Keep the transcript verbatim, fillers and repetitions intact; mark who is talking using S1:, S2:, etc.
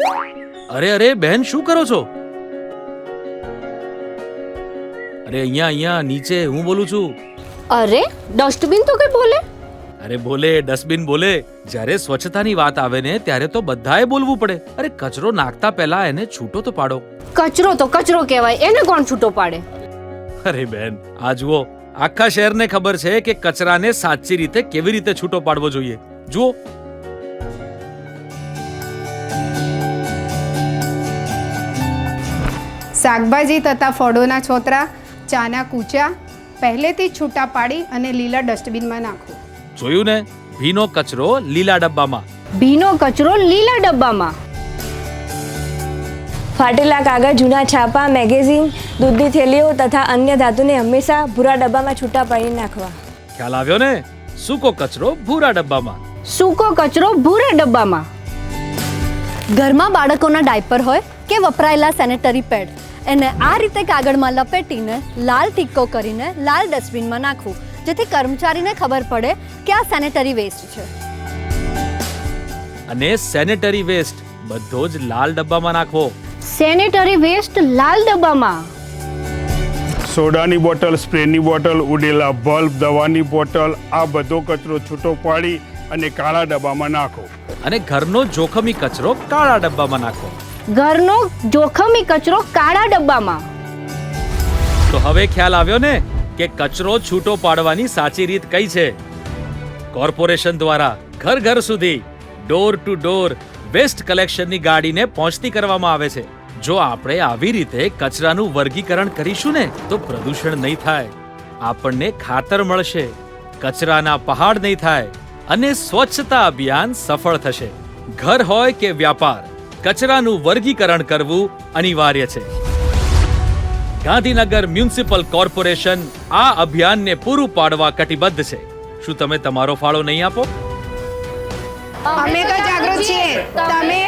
S1: અરે અરે બહેન, શું કરો છો? અરે અહીંયા અહીંયા નીચે હું બોલું છું.
S2: અરે ડસ્ટબિન તો કઈ બોલે?
S1: અરે બોલે, ડસ્ટબિન બોલે. જ્યારે સ્વચ્છતાની વાત આવે ને ત્યારે તો બધાએ બોલવું પડે. અરે કચરો નાખતા પહેલા એને છૂટો તો પાડો.
S2: કચરો તો કચરો કહેવાય, એને કોણ છૂટો પાડે?
S1: અરે બેન, આ જુઓ, આખા શહેરને ખબર છે કે કચરાને સાચી રીતે કેવી રીતે છૂટો પાડવો જોઈએ. જુઓ.
S3: શાકભાજી તથા ફળોના છોતરા, ચાના કૂચા પહેલેથી જ છૂટા પાડી અને લીલા ડસ્ટબિનમાં નાખો.
S1: જોયું ને, ભીનો કચરો લીલા ડબ્બામાં.
S2: ભીનો કચરો લીલા ડબ્બામાં.
S4: ફાટેલા કાગળ, જૂના છાપા, મેગેઝીન, દૂધની થેલીઓ તથા અન્ય ધાતુને હંમેશા ભૂરા ડબ્બામાં છૂટા પાડી નાખવા.
S1: ખ્યાલ આવ્યો ને? સૂકો કચરો ભૂરા ડબ્બામાં.
S2: સૂકો કચરો ભૂરા ડબ્બામાં.
S5: ઘરમાં બાળકોના ડાયપર હોય કે વપરાયેલા સેનેટરી પેડ, એને આ રીતે કાગળમાં લપેટીને લાલ ટીક્કો કરીને લાલ ડસ્ટબિનમાં નાખવું, જેથી કર્મચારીને ખબર પડે કે આ સેનેટરી વેસ્ટ છે.
S1: અને સેનેટરી વેસ્ટ બધો જ લાલ ડબ્બામાં નાખવો.
S2: સેનેટરી વેસ્ટ લાલ ડબ્બામાં.
S6: સોડાની બોટલ, સ્પ્રેની બોટલ, ઉડેલા બલ્બ, દવાની બોટલ, આ બધો કચરો છૂટો પાડી અને કાળા ડબ્બામાં નાખો.
S1: અને ઘરનો જોખમી કચરો કાળા ડબ્બામાં નાખો.
S2: ઘરનો જોખમી કચરો કાળા ડબ્બામાં.
S1: તો હવે ખ્યાલ આવ્યો ને કે કચરો છૂટો પાડવાની સાચી રીત કઈ છે? કોર્પોરેશન દ્વારા ઘર ઘર સુધી ડોર ટુ ડોર વેસ્ટ કલેક્શનની ગાડીને પહોંચતી કરવામાં આવે છે. જો આપણે આવી રીતે કચરાનું વર્ગીકરણ કરીશું ને તો પ્રદૂષણ નહીં થાય, આપણને ખાતર મળશે, કચરાના પહાડ નહીં થાય અને સ્વચ્છતા અભિયાન સફળ થશે. ઘર હોય કે વ્યાપાર, કચરાનું વર્ગીકરણ કરવું અનિવાર્ય છે. ગાંધીનગર મ્યુનિસિપલ કોર્પોરેશન આ અભિયાનને પૂરું પાડવા કટિબદ્ધ છે. શું તમે તમારો ફાળો નહીં આપો?
S3: અમે તો જાગૃત છીએ, તમે